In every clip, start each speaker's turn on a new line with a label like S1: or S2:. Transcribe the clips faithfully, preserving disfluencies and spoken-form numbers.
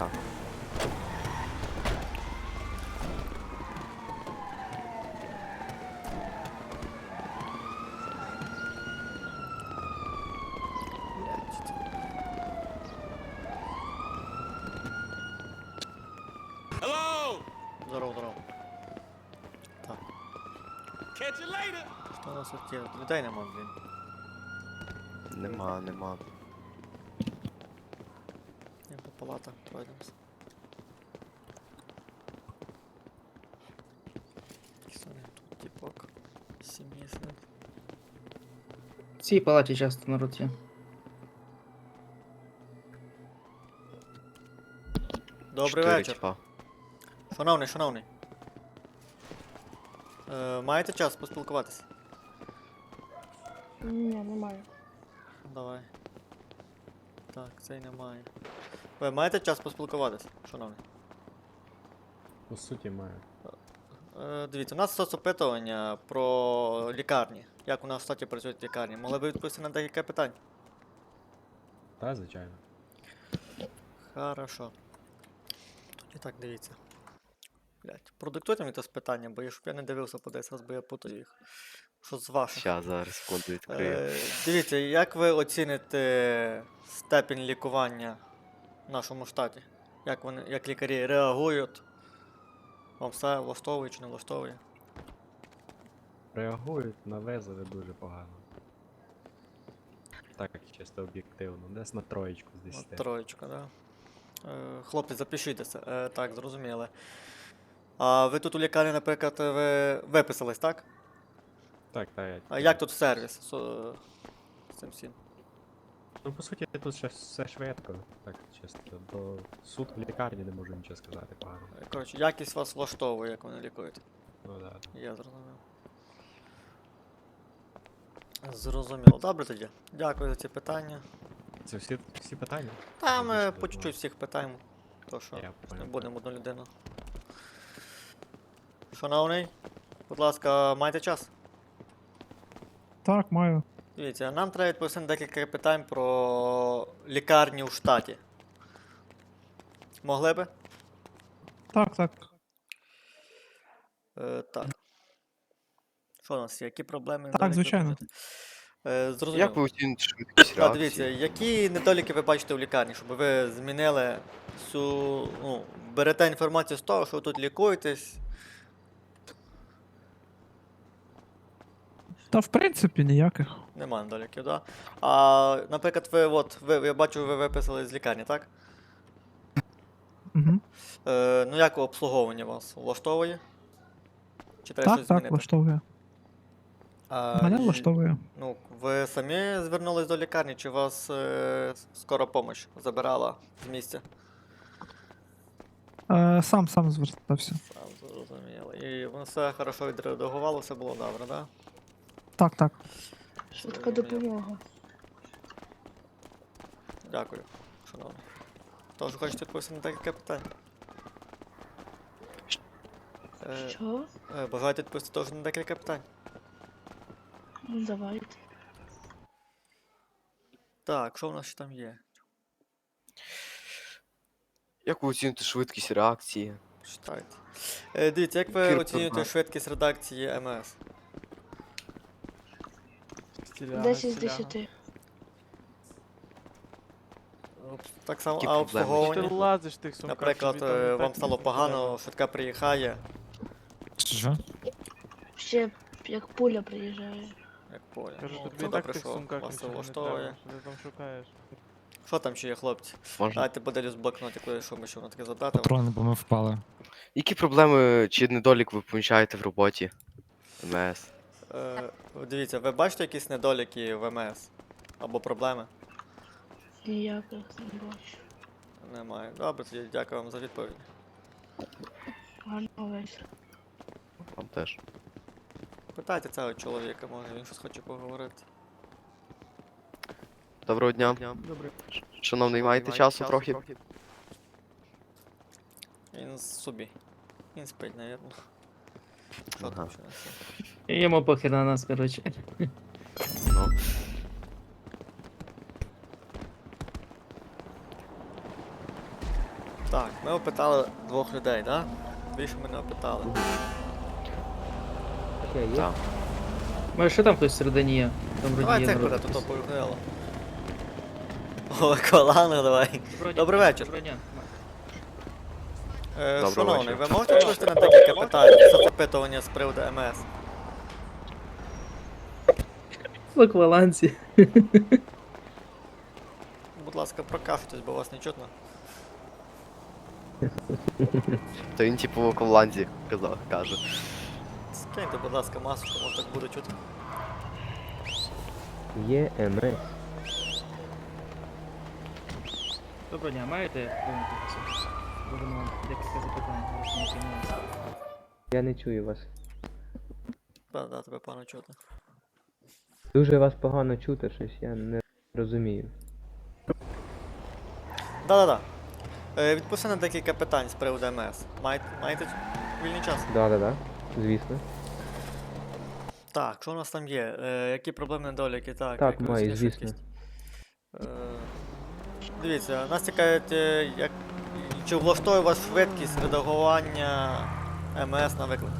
S1: так.
S2: Здорово, здорово. Так. Що у нас тут є? Людей нема, блін.
S1: Нема, нема.
S2: Я по палатах пройдемося. Якийсь вони тут типок. Сім'ї сидять.
S3: В цій палаті часто народ є.
S2: Добрий
S1: Чотири
S2: вечір.
S1: тіпа.
S2: Шановний, шановний. Е, маєте час поспілкуватися?
S4: Ні, немає.
S2: Давай. Так, цей немає. Ви маєте час поспілкуватися, шановний?
S5: По суті, маю.
S2: Е, дивіться, у нас соцопитування про лікарні. Як у нас в штаті працюють лікарні. Могли б відповісти на декілька питань?
S5: Та, звичайно.
S2: Хорошо. Тоді так, дивіться. Блять, продиктуйте мені це питання, бо я, щоб я не дивився по десять раз, бо я путаю їх. Що з ваших?
S1: Ща зараз секунду відкрию.
S2: Е, дивіться, як ви оціните степінь лікування в нашому штаті? Як вони, як лікарі реагують? Вам все влаштовує чи не влаштовує?
S5: Реагують на визови дуже погано. Так, чисто об'єктивно. Десь на троєчку з
S2: От
S5: десяти.
S2: троєчка, да? Е, хлопці, запишітеся. Е, так, зрозуміли. А ви тут у лікарні, наприклад, ви виписались, так?
S5: Так, так. я-
S2: А як тут сервіс з, з цим всім?
S5: Ну, по суті, тут ще все швидко. Так, чисто. До суд в лікарні не можу нічого сказати погано.
S2: Е, Коротше, якість вас влаштовує, як вони лікують.
S5: Ну да.
S2: Я зрозумів. Зрозуміло. Добре тоді. Дякую за ці питання.
S5: Це всі, всі питання?
S2: Та ми
S5: Більше
S2: по
S5: не
S2: чуть-чуть всіх питаємо. То що
S5: Я
S2: не
S5: понял.
S2: будемо одну людину. Шановний, будь ласка, маєте час?
S6: Так, маю.
S2: Дивіться, нам треба відповісти на декілька питань про лікарні у штаті. Могли би?
S6: Так, так.
S2: Е, так. Що у нас є? Які проблеми?
S6: Так,
S2: недоліки
S6: звичайно.
S2: бачите? Е, зрозуміло.
S1: Як ви оціните швидкість
S2: Так, дивіться,
S1: реакції?
S2: які недоліки ви бачите в лікарні, щоб ви змінили всю, ну, берете інформацію з того, що ви тут лікуєтесь.
S6: Та в принципі ніяких.
S2: Нема недоліків, да? А, наприклад, ви, от, ви, я бачу, ви виписали з лікарні, так?
S6: Угу.
S2: Е, ну як обслуговування вас влаштовує? Чи треба
S6: Так,
S2: щось
S6: так,
S2: змінити?
S6: влаштовує.
S2: А,
S6: Мене
S2: і-
S6: влаштовує.
S2: Ну, ви самі звернулись до лікарні, чи вас е, скора помощь забирала з місця?
S6: Е, сам сам звертався.
S2: Сам зрозуміло. І воно все хорошо відреагувало, все було добре, да?
S6: Так, так.
S4: Швидка
S2: Зрозуміло.
S4: допомога.
S2: Дякую, шановний. Тож хочете відповісти на декілька питань? Е,
S4: Що?
S2: е, бажаєте відповісти теж на декілька питань?
S4: Ну, давайте.
S2: Так, що в нас ще там є?
S1: Як ви оціните швидкість реакції?
S2: Читайте. Е, дивіться, як ви
S1: Ефір
S2: оцінюєте
S1: програм.
S2: швидкість редакції ем ес?
S4: десять з десяти.
S2: Обс- Так само,
S1: Які
S2: а
S1: проблеми?
S7: Ти
S2: обслуговування?
S7: лазиш в тих сумках.
S2: Наприклад,
S7: тобі там
S2: е,
S7: і
S2: вам
S7: так
S2: стало
S7: не
S2: погано, швидка приїхає,
S6: Що?
S4: Ще як пуля приїжджає.
S2: як поле.
S7: Кажу,
S2: Ну,
S7: тобі
S2: це
S7: і так в
S2: добре,
S7: тих
S2: що
S7: сумках
S2: вас це
S7: нічого не
S2: влаштовує.
S7: треба. Що ти там шукаєш?
S2: Що там ще є, хлопці?
S1: Можна?
S2: Давайте поділюсь блокнотикою, що ми ще воно таке задати.
S8: Патрони, бо ми впали.
S1: Які проблеми чи недолік ви помічаєте в роботі ем ес?
S2: Е, дивіться, ви бачите якісь недоліки в ем ес? Або проблеми?
S4: Ніяких не бачу.
S2: Немає. Добре, тоді дякую вам за відповідь.
S4: Гарного вечора.
S1: Вам теж.
S2: Питайте цього чоловіка, може він щось хоче поговорити.
S1: Доброго дня.
S2: Добре.
S1: Шановний, маєте часу трохи?
S2: Він собі. Він спить, навірно. Що
S1: Ага.
S2: там ще у нас є?
S3: Йому похер на нас, коротше.
S1: Ну.
S2: Так, ми опитали двох людей, так? Да? Більше ми не опитали.
S3: Окей, є.
S1: Так.
S3: Може, ще там хтось всередині є? Там вроді
S2: Давай
S3: є
S2: цих
S3: народ
S2: бере, тут
S3: якийсь.
S2: поїхало. О, колана, давай. Добрий вечір.
S3: Доброго дня.
S2: Е,
S1: Доброго
S2: шановний,
S1: вечора.
S2: ви можете відповісти на декілька питань з запитування з приводу МС?
S3: В акваланці.
S2: Будь ласка, прокашлюйтесь, бо вас не чутно.
S1: То він типу в Ковланді казав, каже.
S2: Скиньте, будь ласка, масочку, може так буде чути.
S7: Є МС.
S3: Доброго дня, маєте коментарі? Будемо вам декілька запитань. зараз ми приймемося.
S7: Я не чую вас.
S2: Да, да, тебе погано чути.
S7: Дуже вас погано чути, щось я не розумію.
S2: Да-да-да. Е, відпусти на декілька питань з приводу МС. Маєте, маєте вільний час?
S7: Да-да-да, звісно.
S2: Так, що у нас там є? Е, які проблеми недоліки? Так,
S7: Так,
S2: як ви
S7: маю,
S2: розумієте,
S7: звісно.
S2: швидкість? Е, дивіться, нас цікавить, е, як, чи влаштовує вас швидкість редагування МС на виклик?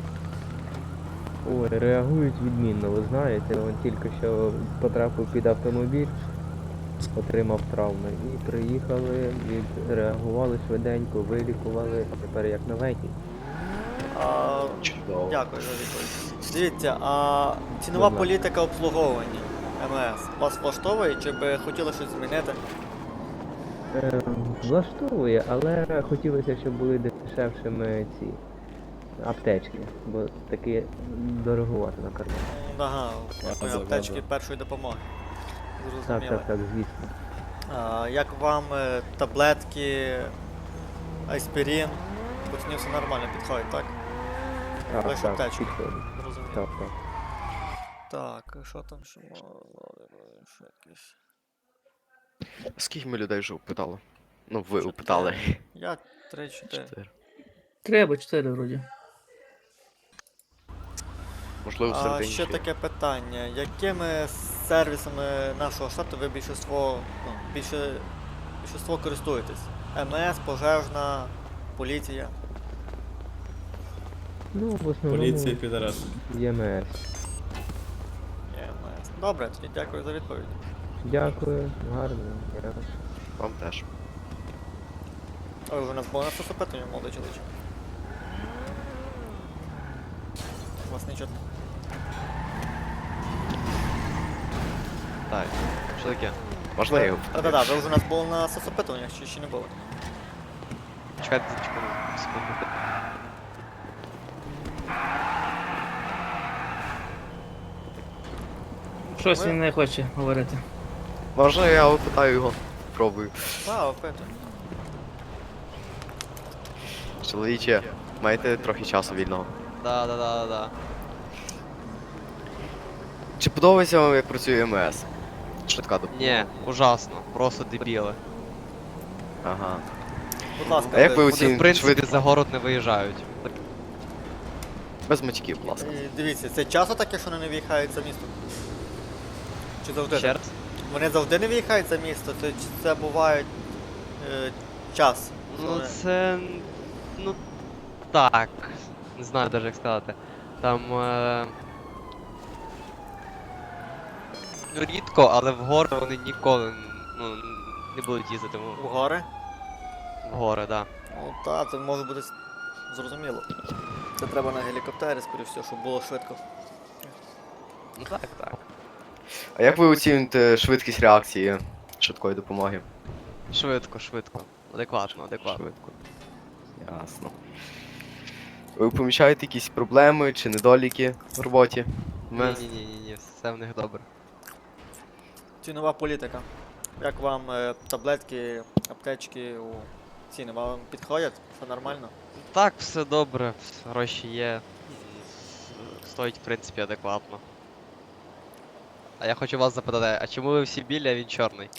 S7: Ой, реагують відмінно, ви знаєте, він тільки що потрапив під автомобіль, отримав травми. І приїхали, відреагували швиденько, вилікували, а тепер як новенький.
S2: А,
S1: Чудово.
S2: дякую за відповідь. Дивіться, а цінова
S7: Будь ласка.
S2: політика обслуговування МС вас влаштовує, чи би хотіли щось змінити?
S7: Е, влаштовує, але хотілося, щоб були дешевшими ці аптечки, бо такі дорогувати на карман.
S2: Ага,
S1: Ага,
S2: аптечки
S1: ага.
S2: першої допомоги.
S7: Так,
S2: Зрозуміло.
S7: так, так, звісно.
S2: А, як вам е, таблетки, аспірин? Пацанів все нормально підходить, так?
S7: Так,
S2: Лише
S7: так,
S2: аптечки.
S7: підходить.
S2: Зрозуміло.
S7: Так, так.
S2: Так, і що там ще мало? Швидкість.
S1: Скільки ми людей вже опитали? Ну, ви опитали.
S2: Я три-чотири.
S1: Чотири.
S3: Треба, чотири вроді.
S1: Можливо,
S2: А
S1: всередині
S2: ще
S1: ще.
S2: таке питання. Якими сервісами нашого штату ви більшинство, ну, більше, більшинство користуєтесь? МС, пожежна, поліція?
S7: Ну, в основному
S8: Поліція підарас.
S7: ЄМС.
S2: Є МС. Добре, тоді дякую за відповідь.
S7: Дякую, гарно. Дякую.
S1: Вам теж.
S2: Ой, вже у нас було на запитання, молодий чоловіче. Вас не чутно.
S1: Так. Що таке? Можна я його питаю?
S2: Да-да-да, ви вже у нас були на соцопитуваннях, чи ще не було?
S1: Чекайте, чекайте, секунду.
S3: Щось
S2: Ми-
S3: він не хоче говорити.
S1: Можна я опитаю його? Пробую.
S2: Так, опитую.
S1: Чоловіче, маєте трохи часу вільного?
S9: Да, да, да, да.
S1: Чи подобається вам, як працює МС? Швидка допомога.
S9: Ні, ужасно, просто дебіли.
S1: Ага.
S2: Будь ласка,
S1: А як ви
S2: ви-
S9: Вони,
S1: оцін-
S9: в принципі,
S1: швидко?
S9: за город не виїжджають.
S1: Без матьків, будь ласка.
S2: Е, Дивіться, це часто таке, що вони не виїхають за місто? Чи завжди?
S9: Ще
S2: так?
S9: раз?
S2: Вони завжди не виїхають за місто, це, чи це буває е, час. що
S9: Ну
S2: вони-
S9: це. Ну так. Не знаю навіть як сказати. Там. Е... Ну рідко, але в гори вони ніколи ну, не будуть їздити в,
S2: У гори?
S9: в гори, да.
S2: Ну так, це може бути с- зрозуміло. Це треба на гелікоптері, скоріш всього, щоб було швидко.
S9: Ну так, так.
S1: А як ви оціните швидкість реакції швидкої допомоги?
S9: Швидко, швидко. Адекватно, адекватно.
S1: Швидко. Ясно. Ви помічаєте якісь проблеми чи недоліки в роботі?
S9: Ні,
S1: МС?
S9: ні, ні, ні, ні, все в них добре.
S2: Цінова політика. Як вам е, таблетки, аптечки у ціни? Вам підходять? Все нормально?
S9: Так, все добре, гроші є. м, Стоїть, в принципі, адекватно. А я хочу вас запитати, а чому ви всі білі, а він чорний?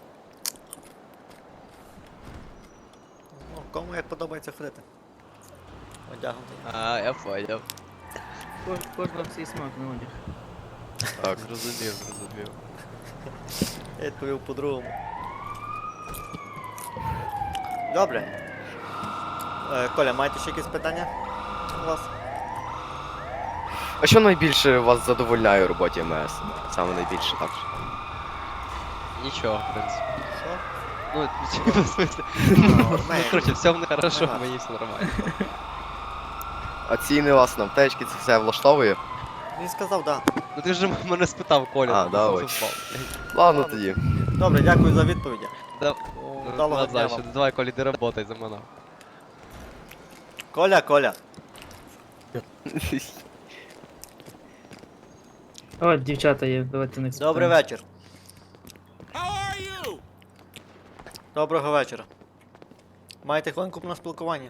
S2: Ну, кому як подобається ходити? Одягнутий.
S9: А, я поняв.
S3: Кож, кожного свій смак на одяг.
S1: Так.
S9: Зрозумів, зрозумів.
S2: Я відповів по-другому. Добре. Е, Коля, маєте ще якісь питання у вас?
S1: А що найбільше вас задовольняє у роботі ем ес? Саме найбільше, так?
S9: Нічого, в принципі.
S2: Що?
S9: Ну, типа, в смысле. Ну, короче, все в мене хорошо,
S2: Ага.
S9: мені все нормально.
S1: А ціни вас на аптечки, це все влаштовує?
S2: Він сказав, так. Да.
S9: Ну ти ж мене спитав, Коля.
S1: А,
S9: ти
S1: да,
S9: сам
S1: ой.
S9: впав.
S1: Ладно тоді.
S2: Добре, дякую за відповіді.
S9: Да.
S2: Вдалого дня
S9: Назад,
S2: вам.
S9: ще давай, Коля, ти работай за мене.
S2: Коля, Коля.
S3: О, дівчата є, давайте не
S2: Добрий вечір. Доброго вечора. Маєте хвилинку на спілкування?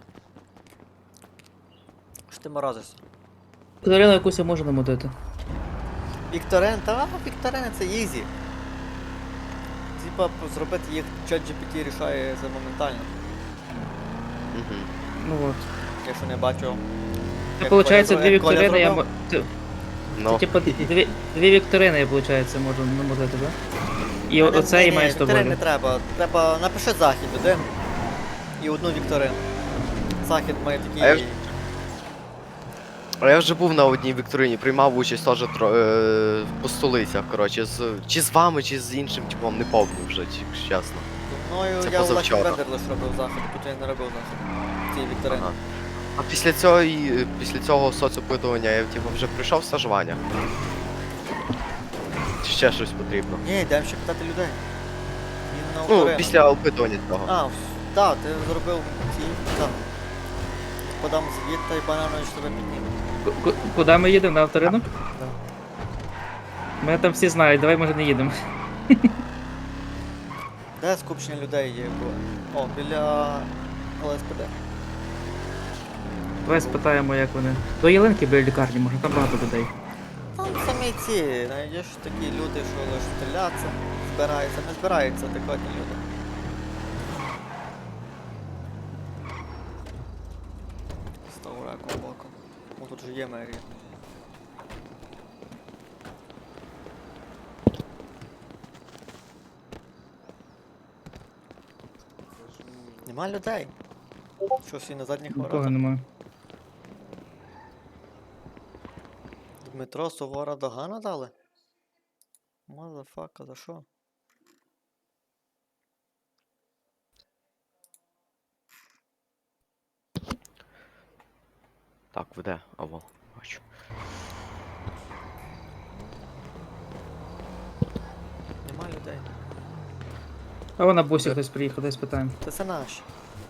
S2: Що ти морозишся?
S3: Катерину якусь я можу намутити.
S2: Вікторин, та Вікторини це ізі. Типа зробити їх чат джі пі ті рішає це моментально.
S1: Мгм.
S3: Ну от.
S2: Якщо не бачу.
S3: Це
S2: як
S3: виходить,
S2: Коля
S3: дві
S2: зробив- як Коля
S3: вікторини я
S2: зробив.
S3: мо- Це,
S1: Ну,
S3: типу, дві, дві вікторини я, виходить, можу намутити, да? І
S2: Ні,
S3: оце і
S2: ні,
S3: має з
S2: Вікторин не
S3: тобою.
S2: треба. Треба напиши захід один і одну вікторину. Захід має
S1: А я
S2: такий.
S1: ж- а я вже був на одній вікторині, приймав участь теж тро- е, по столицях, коротше, з, чи з вами, чи з іншим типом, не пам'ятаю вже, чи- якщо чесно.
S2: Зі мною
S1: Це
S2: я у Лакі
S1: позавчора.
S2: Бендер лише робив захід, тут я не робив захід. Ці вікторини.
S1: Ага. А після цього, і- після цього соцопитування я типу, вже прийшов стажування. Чи ще щось потрібно?
S2: Ні, йдемо ще питати людей. Він на
S1: Ну,
S2: Україну.
S1: після опитування цього.
S2: А, так, ти зробив ці. Так. Подам звіт та й бананович тебе підніме.
S3: Ку- ку- Куди ми їдемо? На авторинок? Мене там всі знають, давай може не їдемо.
S2: Де скупчення людей є? бо- О, біля ел ес пе де.
S3: Давай спитаємо, як вони. До Єленки біля лікарні, може там багато людей.
S2: Там самі ці, знайдеш такі люди, що лише стріляться, збираються, не збираються адекватні люди. Став раком боком. О, тут же є мерія. Нема людей. Що всі на задніх
S3: Нікого
S2: воротах?
S3: немає.
S2: Дмитро Сувора Догана дали? Мазафака, за що?
S1: Так, веде, або бачу.
S2: Нема людей.
S3: А вон на бусі хтось приїхав, десь питаємо.
S2: Це це наші.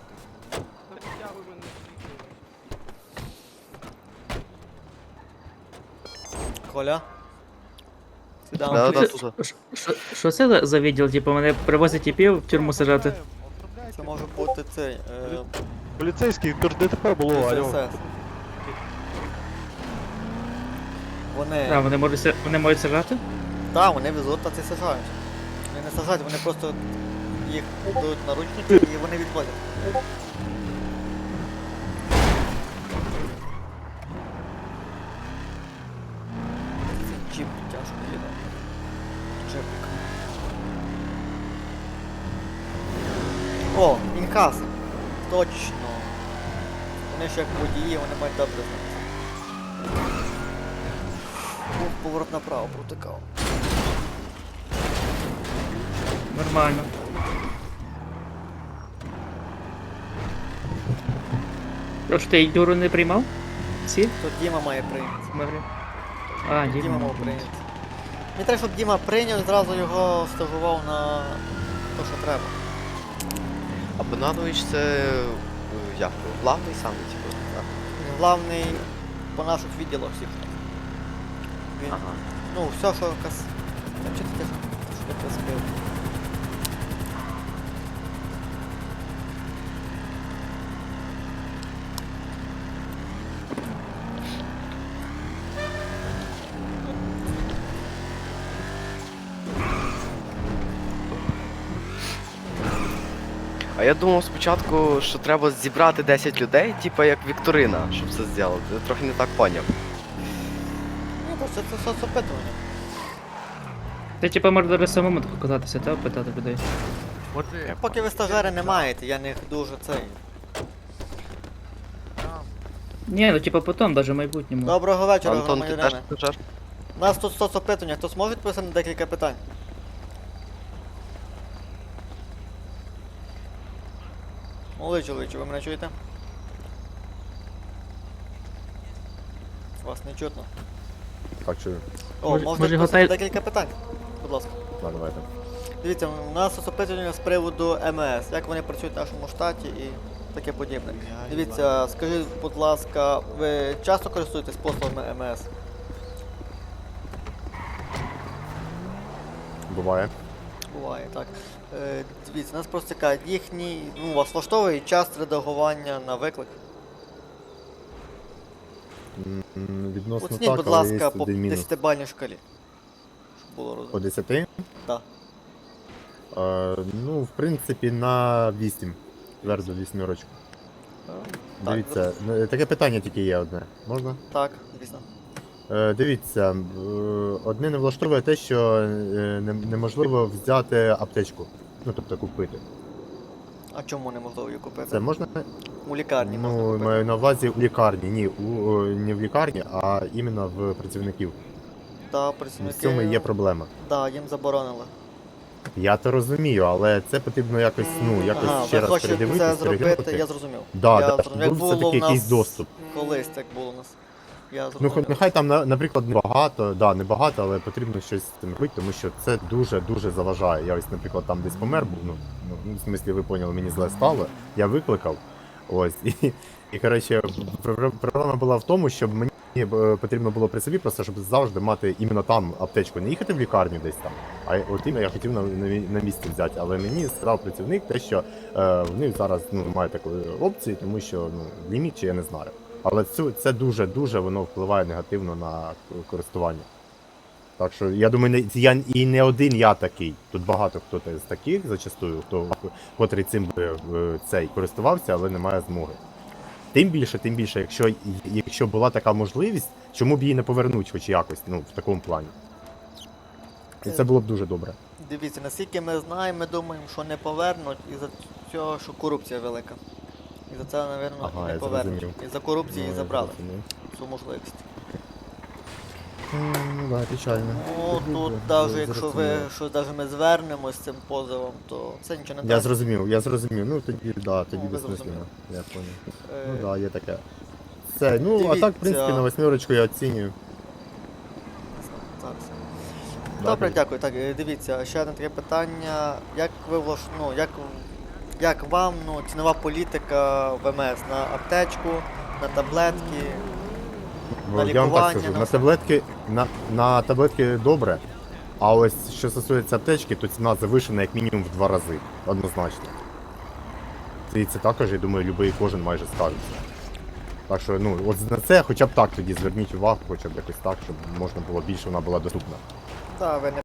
S2: Коля? Сюда.
S1: Да, да,
S3: Що-
S1: тут.
S3: Ш- що- Що це за- за відділ? Типу, мене привозять тіпів в тюрму сажати.
S2: Це може бути цей. Е,
S5: Поліцейський, то ж ДТП було,
S2: ес
S5: алло.
S2: ес ес. Вони.
S3: А, вони можуть ся- вони можуть сажати?
S2: Так, вони везуть та це сажають. Вони не сажають, вони просто їх дають наручники і вони відводять. Це джип тяжко їде. Джипик. О, інкас. Точно. Вони ж як водії, вони мають добре знати. Ух, поворот направо протикав.
S3: Нормально. Тож ти Юру не приймав? Всі?
S2: То Діма має прийняти.
S3: Смотри. А,
S2: Діма,
S3: Діма.
S2: мав прийняти. Мені треба, щоб Діма прийняв і зразу його стажував на те, що треба.
S1: А Бонанович це е, як? Главний саме, типу. так?
S2: Він главний по наших відділах всіх. Він,
S1: Ага.
S2: ну, все, що кас... Та чи ти теж що ти це збив?
S1: А я думав спочатку, що треба зібрати десять людей, типу як Вікторина, щоб це зробити. Я трохи не так поняв.
S2: Ні, то це, це соцопитування.
S3: Ти типу може даже самому так казатися, та питати людей.
S2: Поки ви стажери не маєте, я не дуже цей.
S3: Ні, ну типа потім, даже в майбутньому.
S2: Доброго вечора,
S1: Антон, ти теж
S2: громадяни.
S1: пасажир?
S2: У нас тут соцопитування, хтось може відповісти на декілька питань? Молодий чоловіче, ви мене чуєте? Вас не чутно.
S5: Так, чую.
S2: О,
S3: Може-
S2: можете
S3: може,
S2: відповісти на
S3: готель-
S2: декілька питань? Будь ласка.
S5: Да, давайте.
S2: Дивіться, у нас соцопитування з приводу ем ес, як вони працюють в нашому штаті і таке подібне. Дивіться, скажіть, будь ласка, ви часто користуєтесь послугами ем ес?
S5: Буває.
S2: Буває, так. Е, дивіться, нас просто цікавить їхній, ну, вас влаштовує час реагування на виклик.
S5: М, Відносно
S2: Оцініть,
S5: так,
S2: будь
S5: але
S2: ласка,
S5: є
S2: по
S5: один мінус.
S2: десятибальній шкалі. Щоб було
S5: По
S2: розумно.
S5: десяти?
S2: Так.
S5: Е, ну, в принципі, на вісім. Твердо вісьмірочку.
S2: Так,
S5: Дивіться, е, таке питання тільки є одне. Можна?
S2: Так, звісно.
S5: Е, Дивіться, е, одне не влаштовує те, що е, не- неможливо взяти аптечку. Ну, тобто купити.
S2: А чому неможливо її купити?
S5: Це можна?
S2: У лікарні можна
S5: Ну,
S2: купити.
S5: маю на увазі у лікарні. Ні, у, о, не в лікарні, а іменно в працівників.
S2: Та,
S5: В
S2: працівники...
S5: цьому і є проблема.
S2: Да, їм заборонили.
S5: Я то розумію, але це потрібно якось, ну, якось
S2: Ага,
S5: ще
S2: ви
S5: раз
S2: хочете це
S5: передивитися,
S2: зробити,
S5: переглянути.
S2: я зрозумів.
S5: Да,
S2: я
S5: да,
S2: зрозумів. Як
S5: був
S2: було
S5: все-таки
S2: в нас
S5: якийсь доступ.
S2: колись так було у нас. Я
S5: Ну,
S2: зрозумів.
S5: хоч нехай там, на- наприклад, небагато, да, небагато, але потрібно щось з цим робити, тому що це дуже-дуже заважає. Я ось, наприклад, там десь помер був, ну, ну, в смислі, ви поняли, мені зле стало, я викликав, ось, і, і коротше, пр- проблема була в тому, щоб мені е, потрібно було при собі просто, щоб завжди мати іменно там аптечку, не їхати в лікарню десь там, а от іменно я хотів на, на, мі- на місці взяти, але мені сказав працівник те, що е, в них зараз ну, немає такої опції, тому що ну, ліміт чи я не знаю. Але цю, це дуже-дуже воно впливає негативно на користування. Так що я думаю, не, я і не один я такий. Тут багато хто з таких зачастую, хто котрий цим би е, цей користувався, але не має змоги. Тим більше, тим більше, якщо, якщо була така можливість, чому б її не повернуть хоч якось, ну, в такому плані. І це було б дуже добре.
S2: Дивіться, наскільки ми знаємо, ми думаємо, що не повернуть із-за цього, що корупція велика. І за це, напевно,
S5: Ага,
S2: і не
S5: я
S2: повернуть.
S5: зрозумів.
S2: І за корупції
S5: Ну,
S2: і
S5: я
S2: забрали
S5: зрозумів.
S2: цю можливість.
S5: Ну, да, печально.
S2: Ну,
S5: Ну,
S2: тут
S5: да,
S2: навіть
S5: я
S2: якщо ви,
S5: зрозумів.
S2: що навіть ми звернемось з цим позовом, то це нічого не
S5: Я
S2: дасть.
S5: зрозумів, я зрозумів. Ну тоді, да, тоді
S2: Ну, ви
S5: безсмислено.
S2: зрозуміли.
S5: Я понял.
S2: Е,
S5: Ну да, є таке. Все, ну а так, в принципі,
S2: Дивіться.
S5: на восьмерочку я оцінюю.
S2: зараз.
S5: Да,
S2: Добре,
S5: дивіться.
S2: дякую. Так, е, дивіться, ще одне таке питання. Як ви влаш... ну, як, як вам ну, цінова політика в ем ес на аптечку, на таблетки?
S5: Бо
S2: на
S5: я вам так
S2: лікування,
S5: скажу,
S2: на
S5: на
S2: все.
S5: таблетки, на, на таблетки добре, а ось що стосується аптечки, то ціна завишена як мінімум в два рази. Однозначно. І це також, я думаю, любий кожен майже скажеться. Так що, ну, от на це хоча б так тоді зверніть увагу, хоча б якось так, щоб можна було більше вона була доступна.
S2: Та, ви не